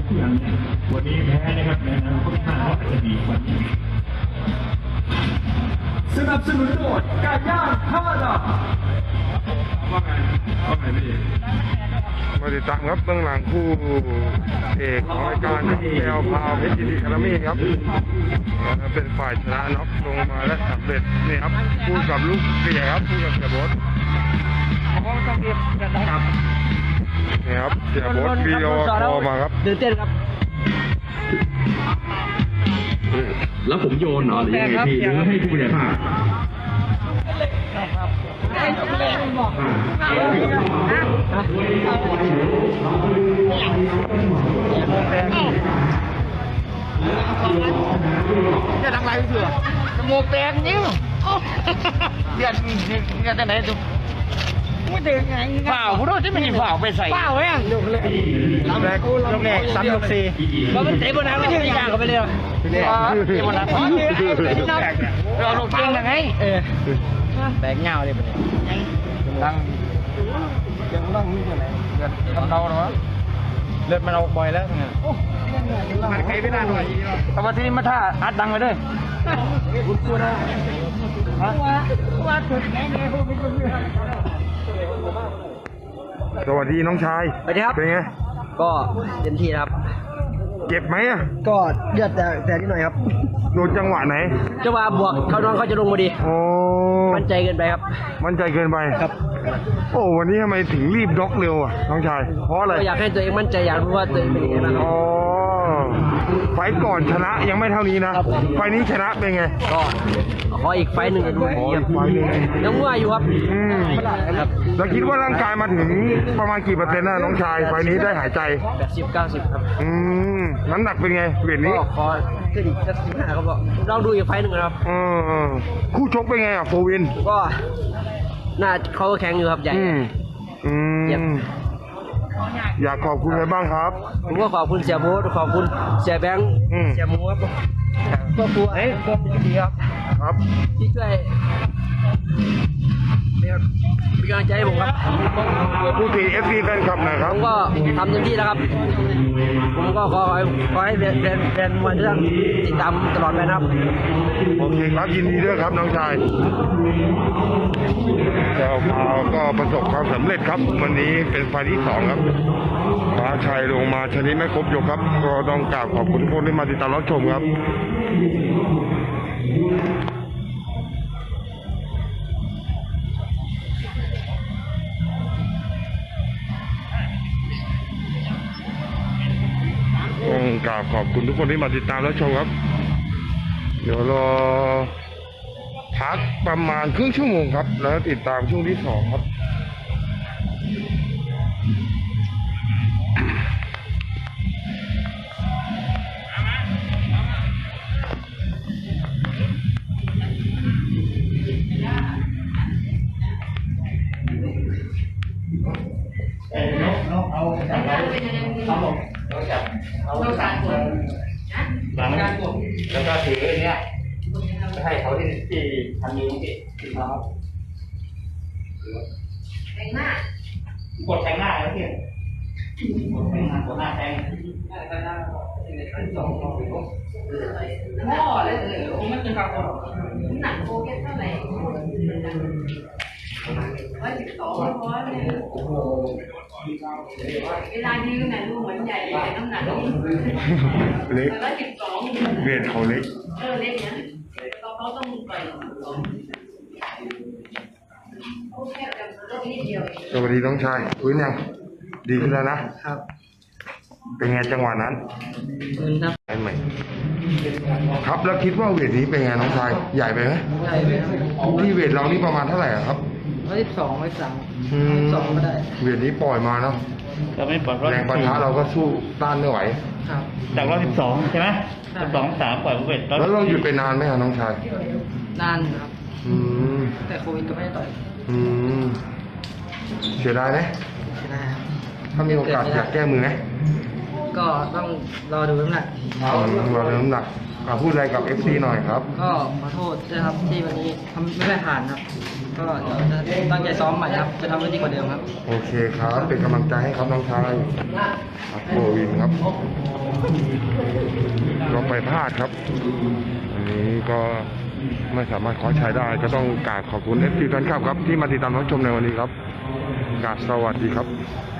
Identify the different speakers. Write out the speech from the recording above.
Speaker 1: วันนี้แพ้นะครับในอนาคตข้างหน้าอาจจะดีกว่านี้สนับสนุนโดยไก่ย่าง5 ดาวว่าไงพี่
Speaker 2: มาติดตามครับเบื้องหลังคู่เอกของรายการแอลพาวเพชรยินดีคารามี่ครับเป็นฝ่ายชนะน็อกลงมาและสำเร็จนี่ครับคู่กับลูกเสียครับคู่กับเสียโบ๊ทนี่ครับเสียโบ๊ทวีโอคอมาครับ
Speaker 3: ตื่นเต้นครับ
Speaker 1: แล้วผมโยนเหรอหรือยังไงพี่หรือให้ผู้บริหาร
Speaker 3: จะทำไรเถื่อจมูกแตกนิ้วเดือดแต่ไหนดูไม่ถึงไงเปล่าผู้รู้ที่มันเปล่าไปใส่เปล่าแม่งดูเลยลำแรก3 ยก 4มันเตะบนน้ำไม่ถึงอย่างกันไปเลยเตะบนน้ำเราลงเก่งยังไงแตกเงาเลยไปเลยดังยังดังนี่ยังไงเลือดกำเดาหรอเลือดมันเอาบ่อยแล้วไงมันใครไม่น่าหน่อยแต่ว่าที่นี่มาท่าอัดดังไปเลยว่าถึงแน่ๆพวกนี้
Speaker 2: สวัสดีน้องชาย
Speaker 3: สวัสดีครับ
Speaker 2: เป็นไง
Speaker 3: ก็เต็มที่ครับ
Speaker 2: เจ็บไหมอ่ะ
Speaker 3: ก็เลือดแต่นิดหน่อยครับ
Speaker 2: โดนจังหวะไหน
Speaker 3: จะว่าบวกเขาน้องเขาจะลงมาดี
Speaker 2: โอ้
Speaker 3: มั่นใจเกินไปครับ
Speaker 2: มั่นใจเกินไปครับโอ้วันนี้ทำไมถึงรีบด็อกเร็วอ่ะน้องชายเพราะอะไร
Speaker 3: ก็อยากให้ตัวเองมั่นใจอยากรู้ว่าตัวเองเป็นยังไงบ้างครับ
Speaker 2: อ๋อไฟก่อนชนะยังไม่เท่านี้นะไฟนี้ชนะเป็นไง
Speaker 3: ก็ขออีกไฟหนึ่งดู
Speaker 2: ขออีกไฟหนึ่ง
Speaker 3: ยังมั่วอยู่ครับ
Speaker 2: ครับแล้วคิดว่าร่างกายมาถึงประมาณกี่เปอร์เซ็นต์นะน้องชายไฟนี้ได้หายใจ
Speaker 3: 80-90ครับ
Speaker 2: น้ำหนักเป็นไงเวทนี้
Speaker 3: ก็ขอขึ้นอีกสัก15ครับบอกลองดูอีกไฟหนึ่งนะครับ
Speaker 2: คู่ชกเป็นไงอ่ะโฟวิน
Speaker 3: ก็น่าเขาก็แข็งอยู่ครับใหญ่
Speaker 2: อยากขอบคุณใครบ้างครับ
Speaker 3: ผมก็ขอบคุณเสียโบ๊ทขอบคุณเสียแบงค์เสียหมูครับครอบครัวก็ดีครับที่ช่วยเป็นกำลังใจให้ผมครับ
Speaker 2: ผู้ที่ FC แฟนคลับนะครับ
Speaker 3: ผมก็ทำเต็มที่แล้วครับผมก็ขอให้แฟนมวยทุกท่านติดตามตลอดไปนะครับ
Speaker 2: โอเคครับยินดีด้วยครับน้องชายเราก็ประสบความสำเร็จครับวันนี้เป็นไฟที่2ครับฟ้าชัยลงมาชนิดไม่ครบยกครับก็ต้องกราบขอบคุณทุกคนที่มาติดตามรับชมครับต้องกราบขอบคุณทุกคนที่มาติดตามและชมครับเดี๋ยวรอพักประมาณครึ่งชั่วโมงครับแล้วติดตามช่วงที่2ครับ
Speaker 4: เราการกดนะการกดแล้วก็ถือเนี่ยจะให้เขาที่ทำนิ้วที่เขาแทงหน้ากดแทงหน้าแล้วพี่กดแทงหน้ากดหน้าแทงพ่อเลยมันเป็นการกดหนักโคเกตเท่าไหร่112เพราะเนี่ยเวลายืนน่ะดูเหมือนใหญ่แต่น้ำหนัก
Speaker 2: เล็ก
Speaker 4: 112
Speaker 2: เวทเขาเล็ก
Speaker 4: เล็กนะเขาต้องปล่อยโอเคแต่ลดนิดเดียว
Speaker 2: สวัสดีน้องชายฟื้นยังดีขึ้นแล้วนะครับเป็นไงจังหวะนั้น
Speaker 3: ครับ
Speaker 2: ใช่ไหมครับแล้วคิดว่าเวทนี้เป็นไงน้องชายใหญ่ไปไหม
Speaker 3: ใหญ่ไปครับ
Speaker 2: ที่เวทเรานี่ประมาณเท่าไหร่ครับ
Speaker 3: 112ก็ได้
Speaker 2: เวทนี้ปล่อยมาเนาะ
Speaker 4: เราไม่ปล่อย
Speaker 2: แรงปะทะเราก็สู้ต้านไม่ไหว
Speaker 3: ครับ
Speaker 4: จาก112ใช่ไหม112 3ปล่อยเวท
Speaker 2: แล้วเราหยุดไปนานไหมครับน้องชาย
Speaker 3: นานครับแต่โควิดก็ไม่ได้ต่อย
Speaker 2: เสียดายไหม
Speaker 3: เสียดายครับ
Speaker 2: ถ้ามีโอกาสอยากแก้มือไหม
Speaker 3: ก็ต้องรอดูน้ำหนัก
Speaker 2: รอดูน้ำหนักพูดอะไรกับ FC หน่อยครับ
Speaker 3: ก็ขอโทษด้วยครับที่วันนี้ทำไม่ได้ผ่านครับก็เดี๋ยวจะตั้งใจซ้อมใหม่ครับจะทำให้ดีกว่าเดิมครับ
Speaker 2: โอเคครับ เป็นกำลังใจให้ครับน้องชายครับโควินครับก็ไปพลาดครับอันนี้ก็ไม่สามารถคว้าชัยได้ก็ต้องกราบขอบคุณเอฟซีแฟนคลับครับที่มาติดตามรับชมในวันนี้ครับกราบสวัสดีครับ